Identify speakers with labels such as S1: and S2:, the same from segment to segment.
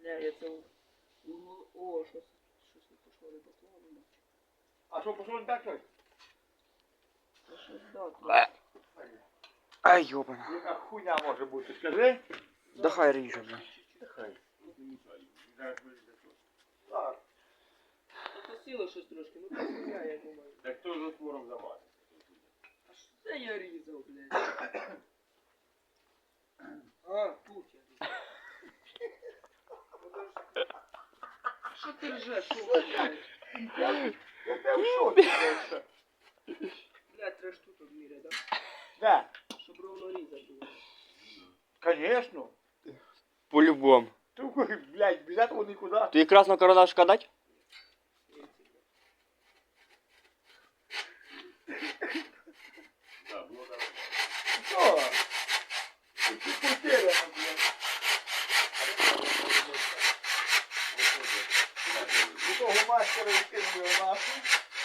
S1: Бля, я це... О, щось не пошло не по плану.
S2: А що, пошло не так щось?
S1: Це щось да,
S3: Ай, ёбана.
S2: Яка хуйня може бути, скажи?
S3: Да хай ріже, бля.
S2: Хай. Так.
S1: Посіло щось трошки, ну так хуйня, я думаю.
S2: Так хто ж отвором замазав?
S1: Це я різав, блядь. А, тут я різав. Що ти ржеш, що блядь?
S2: Я тебе в шоці просто.
S1: Блядь, треба штуку вміряти, да?
S2: Да,
S1: Щоб ровно різати було.
S2: конечно.
S3: По-любому.
S2: Ты, блядь, без этого никуда.
S3: Ти красну коронашку дать?
S2: Да, было давай. Что? Ты потеряна, блядь. До того мастера викинули нахуй.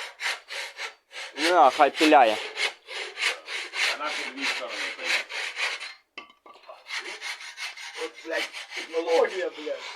S3: На, хай пиляє.
S4: А наші дві сторони стоять.
S2: От, блядь, технологія, блядь.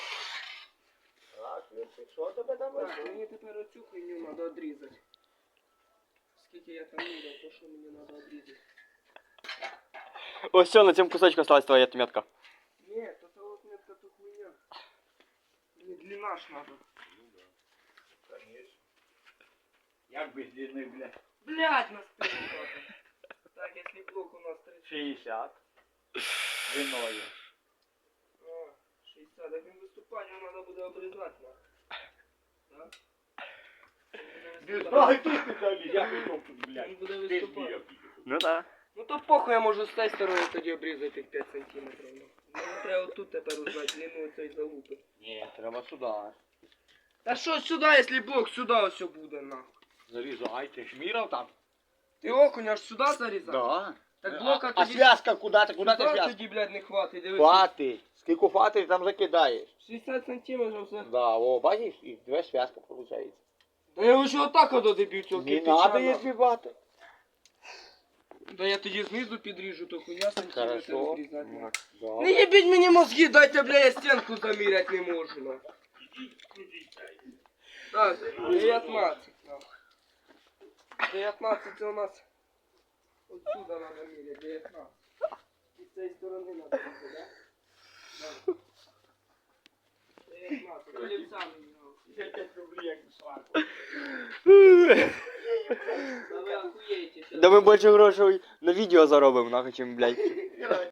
S2: Так, що тебе там?
S1: Так, мені тепер оцю хуйню треба відрізати. Скільки я там міряв, то що мені треба відрізати.
S3: Ось все, на цьому кусочку осталась твоя отметка.
S1: Ні, то це от метка то хуйня. Мені длина ж надо.
S2: Конечно. Як без длини, блядь?
S1: Блядь, на спину надо. Так, если блок у нас 30.
S2: 60. Длиною.
S1: А, 60. Так він виступання треба буде обрізати, нахуй. Да?
S2: Не знаю, ти спеціаліст, я прийшов тут, блядь.
S1: Він буде
S2: Ти
S1: виступати.
S2: збігав.
S3: Ну да.
S1: Ну то похуй, я можу з цієї сторони тоді обрізати тих 5 сантиметрів. Ну. Мені треба отут тепер узнати длину цієї залупи.
S2: Ні, треба сюди.
S1: Та що сюди, якщо блок сюди ось буде, нахуй?
S2: Зарізай, ти ж міряв там?
S1: Ти окунь аж сюди зарізав?
S2: Да.
S1: Так блока
S2: А
S1: тоді...
S2: зв'язка куди ти? Куди ти
S1: Сюди
S2: зв'язка?
S1: тоді, блядь, не хватить, дивись.
S2: Хватить. Скільки хватить, там закидаєш.
S1: 60 сантиметрів все.
S2: Да, о, бачиш, і две зв'язка виходить.
S1: Да я лише отак от доб'ю цього
S2: Не
S1: кирпича.
S2: треба її збивати.
S1: Да я тоді знизу підріжу, то хуйня сантиметр
S2: Хорошо.
S1: обрізати.
S2: Да.
S1: Не їбіть мені мозги, дайте, бля, я стінку заміряти не можу, на. Так, 19, нахуй. 19 це у нас отсюда надо міряти, 19. І з цієї сторони надо міряти, да? Да. 19, колівця мені, нахуй.
S2: Я 5 рублів як сварку.
S1: Да ви охуєєте.
S3: Да ми більше грошей на відео заробимо, нахуй, чим, блядь.